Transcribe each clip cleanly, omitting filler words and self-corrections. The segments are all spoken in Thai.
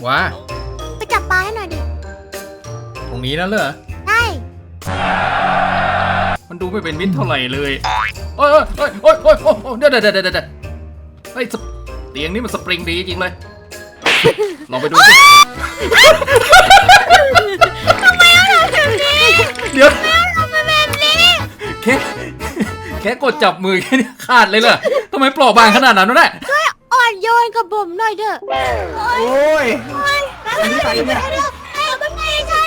ว้าไปจับปลาให้หน่อยดิตรงนี้นั่นเหรอใช่มันดูไม่เป็นมิตรเท่าไหร่เลยโอ้ยเดี๋ยวเฮ้ยเตียงนี้มันสปริงดีจริงเลยลองไปดูสิทำไมเอาแบบนี้เดี๋ยวเอาแบบนี้แค่กดจับมือแค่นี้ขาดเลยเหรอทำไมเปราะบางขนาดนั้นวะเนี่ยช่วยอ่อนโยนกับผมหน่อยเถอะโอ้ยอันนี้ใครเนี่ยให้เอาไปไงฉัน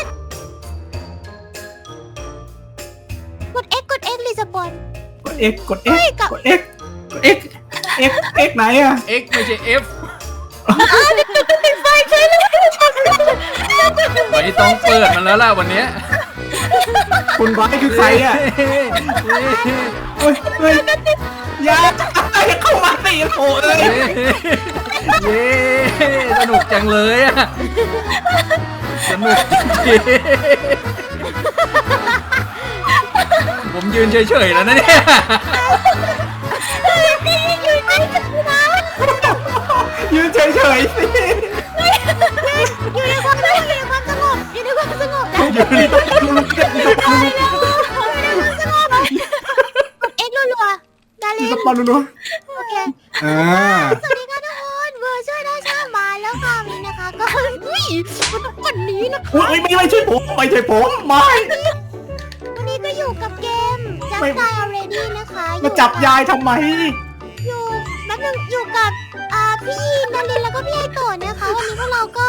กด X รีสปอนกด X กด X กด X กด X X ไหนอะ X ไม่ใช่ F ติดไฟใช่เลยไม่ต้องเปิดมันแล้วล่ะวันนี้คุณไว้คือใครอะเฮ้ยอย่าเข้ามาสิโอ้ยเย้สนุกจังเลยอะสนุกจริงผมยืนเฉยๆแล้วนะเนี่ยยืนเฉยๆสิอยู่ในความสงบอยู่ในความสงบอยู่ในความสงบเอ็กรัวๆดารินสปอนรัวโอเคสวัสดีค่ะทุกคนเวอร์ช่วยได้ช่างมาแล้วค่ะนี้นะคะก็วันนี้นะคะไม่ใช่ผมไม่วันนี้ก็อยู่กับเกมจับตาย already นะคะมาจับยายทำไมอยู่แป๊บนึงอยู่กับพี่ดารินแล้วก็พี่ไอโตะนะคะวันนี้พวกเราก็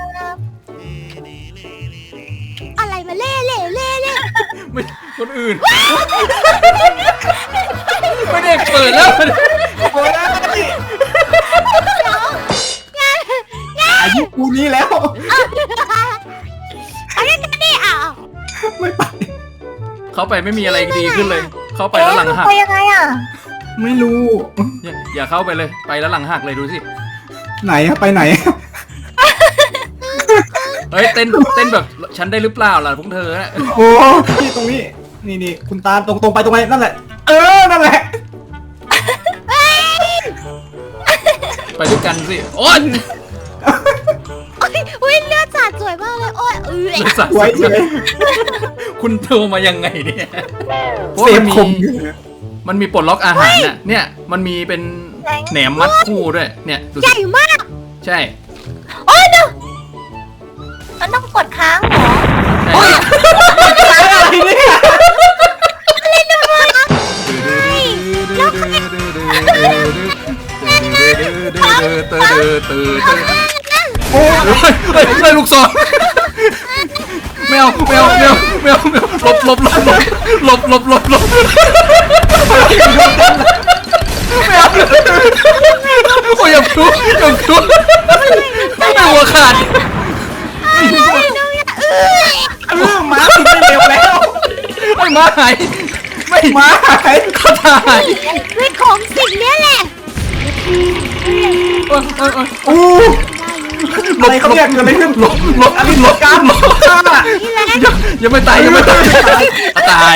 อะไรมาเล่ไม่คนอื่นไม่ได้เปิดแล้วโอ้ยอายุกูนี้แล้วอะไรกันนี่ไม่ไปเขาไปไม่มีอะไรดีขึ้นเลยเขาไปแล้วหลังหักไปยังไงไม่รู้อย่าเข้าไปเลยไปแล้วหลังหักเลยดูสิไหนอะไปไหนเฮ้ยเต้นแบบฉันได้หรือเปล่าล่ะพวกเธอนะโอ้ที่ตรงนี้นี่คุณตาตรงไปตรงไหนนั่นแหละนั่นแหละไปด้วยกันสิโอ๊ยเลือดสาดสวยมากเลยโอ๊ยเลือดสาดสวยคุณโทรมายังไงเนี่ยเซฟคมมันมีปลดล็อกอาหารน่ะเนี่ยมันมีเป็นแหนมมัดคู่ด้วยเนี่ยใหญ่มากใช่โอ๊ยเดี๋ยวมันต้องกดค้างเหรอโอ๊ยอะไรเนี่ยโอ้ยได้ลูกศรแมวหลบแมวโอ้ยอย่าทุบไม่หัวขาดม้าไม่เร็วแล้วไม่ม้าหายไม่ม้าหายเขาตายด้วยของสิ่งนี้แหละอะไรเขาเรียกอะไรขึ้นหลบการยังไม่ตายตาย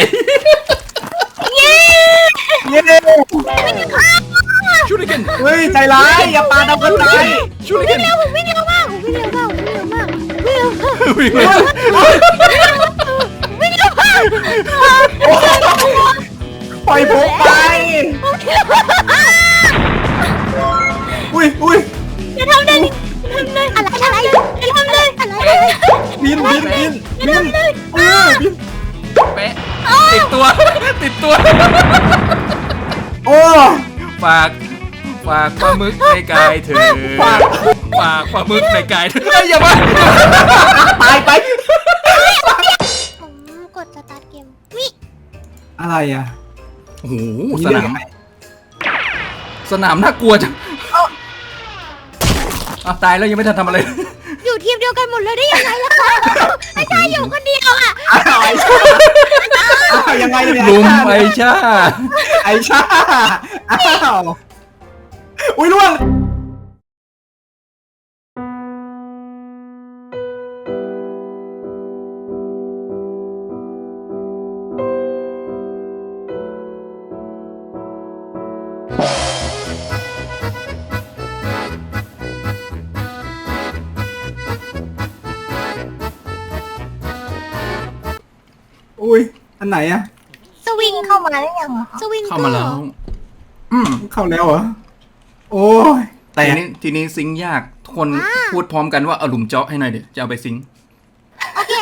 ชูริเกนเฮ้ยใจร้ายอย่าปาดเอากันตายชูริเกนผมวิ่งเร็วมากปล่อยผมไปอุ้ยจะทำเลยอะไรจะทำเลยบินแปะติดตัวโอ้ฝากปลาหมึกในกายเธอฝากปลาหมึกในกายเธออย่ามาตายไปผมกดสตาร์ทเกมวิอะไรอ่ะโอ้โหสนามน่ากลัวจังตายแล้วยังไม่ทันทำอะไรอยู่ทีมเดียวกันหมดเลยได้ยังไงล่ะคะไอ้ชายอยู่คนเดียวยังไงเนี่ยลุมไอชาอ้าวอุ้ยล่วงอุ้ยอันไหนอะสวิงเข้ามาได้ยังอะสวิงเข้ามาแล้วเข้าแล้วเหรอโอ้ยแต่ทีนี้ซิงค์ยากทุกคนพูดพร้อมกันว่าเอาหลุมเจาะให้หน่อยเดี๋ยวจะเอาไปซิงค์โอเค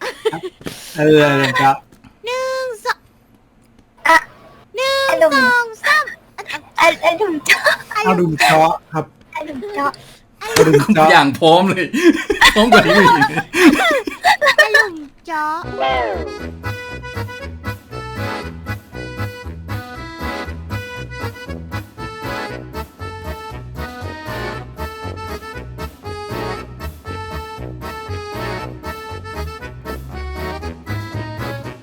ครับหนึ่งสองอะหนึ่งไอ้หนุ่มสองสามไอ้ดุมเจาะเอาดุมเจาะครับไอ้ดุมเจาะเอาดุมเจาะอย่างพร้อมเลย พร้อมกว่านี้อีกอารมณ์เจาะ